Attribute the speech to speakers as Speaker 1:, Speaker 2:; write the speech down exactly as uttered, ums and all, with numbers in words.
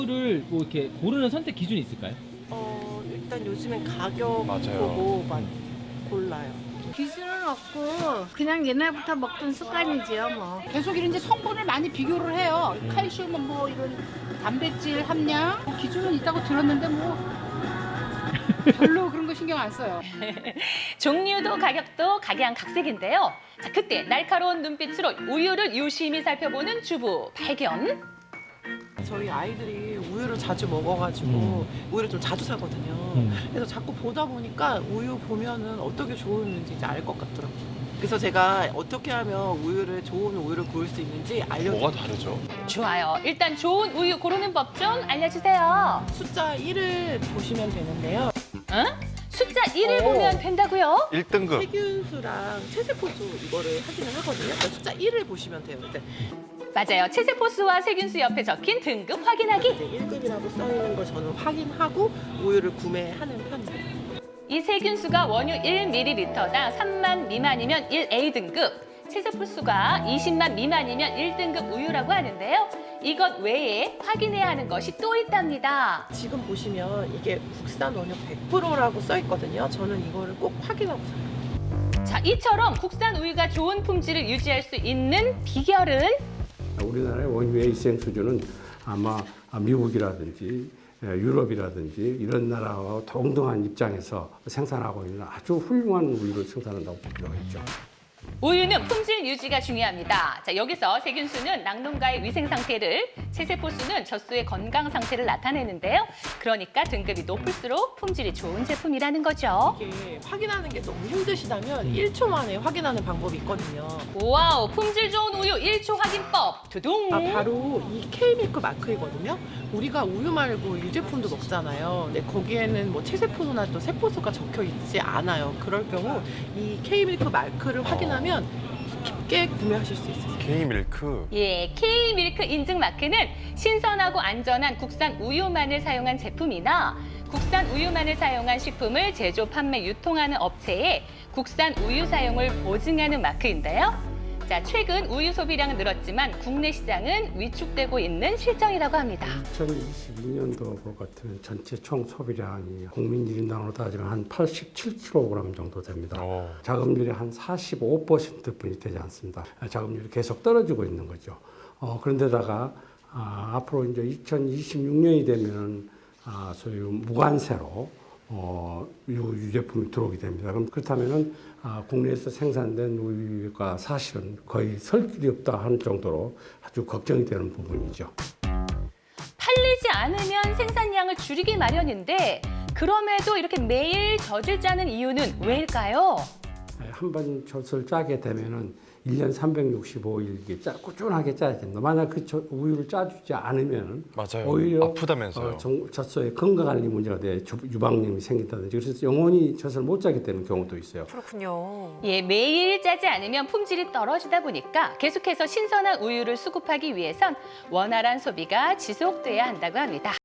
Speaker 1: 우유를 뭐 이렇게 고르는 선택 기준이 있을까요?
Speaker 2: 어, 일단 요즘엔 가격
Speaker 3: 맞아요.
Speaker 2: 보고 많이 골라요.
Speaker 4: 기준은 없고 그냥 옛날부터 먹던 습관이지요 뭐.
Speaker 5: 계속 이런 이제 성분을 많이 비교를 해요. 칼슘 뭐 이런 단백질 함량 뭐 기준은 있다고 들었는데 뭐 별로 그런 거 신경 안 써요.
Speaker 6: 종류도 가격도 각양각색인데요. 자, 그때 날카로운 눈빛으로 우유를 유심히 살펴보는 주부 발견.
Speaker 2: 저희 아이들이 우유를 자주 먹어가지고
Speaker 1: 음.
Speaker 2: 우유를 좀 자주 사거든요.
Speaker 1: 음.
Speaker 2: 그래서 자꾸 보다 보니까 우유 보면은 어떻게 좋은지 이제 알 것 같더라고요. 그래서 제가 어떻게 하면 우유를 좋은 우유를 고를 수 있는지 알려드릴게요.
Speaker 3: 뭐가 다르죠?
Speaker 6: 좋아요. 일단 좋은 우유 고르는 법 좀 알려주세요.
Speaker 2: 숫자 일을 보시면 되는데요.
Speaker 6: 응? 숫자 일을
Speaker 2: 어.
Speaker 6: 보면 된다고요?
Speaker 3: 일 등급.
Speaker 2: 세균수랑 체세포수 이거를 확인을 하거든요. 그러니까 숫자 일을 보시면 돼요. 이제
Speaker 6: 맞아요. 체세포수와 세균수 옆에 적힌 등급 확인하기.
Speaker 2: 일 급이라고 써 있는 걸 저는 확인하고 우유를 구매하는 편이에요.
Speaker 6: 이 세균수가 원유 일 밀리리터당 삼만 미만이면 일 에이 등급, 체세포수가 이십만 미만이면 일 등급 우유라고 하는데요. 이것 외에 확인해야 하는 것이 또 있답니다.
Speaker 2: 지금 보시면 이게 국산 원유 백 퍼센트라고 써 있거든요. 저는 이거를 꼭 확인하고 사요.
Speaker 6: 자, 이처럼 국산 우유가 좋은 품질을 유지할 수 있는 비결은
Speaker 7: 우리나라의 원유의 일생 수준은 아마 미국이라든지 유럽이라든지 이런 나라와 동등한 입장에서 생산하고 있는 아주 훌륭한 우유를 생산한다고 볼 필요가 있죠.
Speaker 6: 우유는 품질 유지가 중요합니다. 자, 여기서 세균수는 낙농가의 위생 상태를, 체세포수는 젖소의 건강 상태를 나타내는데요. 그러니까 등급이 높을수록 품질이 좋은 제품이라는 거죠.
Speaker 2: 이게 확인하는 게 너무 힘드시다면 일 초 만에 확인하는 방법이 있거든요.
Speaker 6: 와우, 품질 좋은 우유 일 초 확인법. 두둥.
Speaker 2: 아, 바로 이 K밀크 마크이거든요. 우리가 우유 말고 유제품도 먹잖아요. 근데 거기에는 뭐 체세포수나 또 세포수가 적혀 있지 않아요. 그럴 경우 이 K밀크 마크를 확인하면 쉽게 구매하실 수 있어요.
Speaker 3: K밀크.
Speaker 6: 예, K밀크 인증 마크는 신선하고 안전한 국산 우유만을 사용한 제품이나 국산 우유만을 사용한 식품을 제조, 판매, 유통하는 업체에 국산 우유 사용을 보증하는 마크인데요. 자, 최근 우유 소비량은 늘었지만 국내 시장은 위축되고 있는 실정이라고 합니다.
Speaker 7: 이천이십이 년도 것 같으면 전체 총 소비량이 국민 일 인당으로 따지면 한 팔십칠 킬로그램 정도 됩니다.
Speaker 3: 오.
Speaker 7: 자급률이 한 사십오 퍼센트뿐이 되지 않습니다. 자급률이 계속 떨어지고 있는 거죠. 어, 그런데다가 아, 앞으로 이제 이천이십육 년이 되면 아, 소위 무관세로 어, 유, 유제품이 들어오게 됩니다. 그럼 그렇다면은 아, 국내에서 생산된 우유가 사실은 거의 설 길이 없다 하는 정도로 아주 걱정이 되는 부분이죠.
Speaker 6: 팔리지 않으면 생산량을 줄이기 마련인데 그럼에도 이렇게 매일 젖을 짜는 이유는 왜일까요?
Speaker 7: 한 번 젖을 짜게 되면은 일 년 삼백육십오 일 이게 짜, 꾸준하게 짜야 된다. 만약 그 젖, 우유를 짜주지 않으면
Speaker 3: 맞아요.
Speaker 7: 오히려
Speaker 3: 아프다면서요.
Speaker 7: 어, 정, 젖소에 건강관리 문제가 돼 유방염이 생긴다든지 그래서 영원히 젖을 못 짜게 되는 경우도 있어요.
Speaker 8: 그렇군요.
Speaker 6: 예, 매일 짜지 않으면 품질이 떨어지다 보니까 계속해서 신선한 우유를 수급하기 위해선 원활한 소비가 지속돼야 한다고 합니다.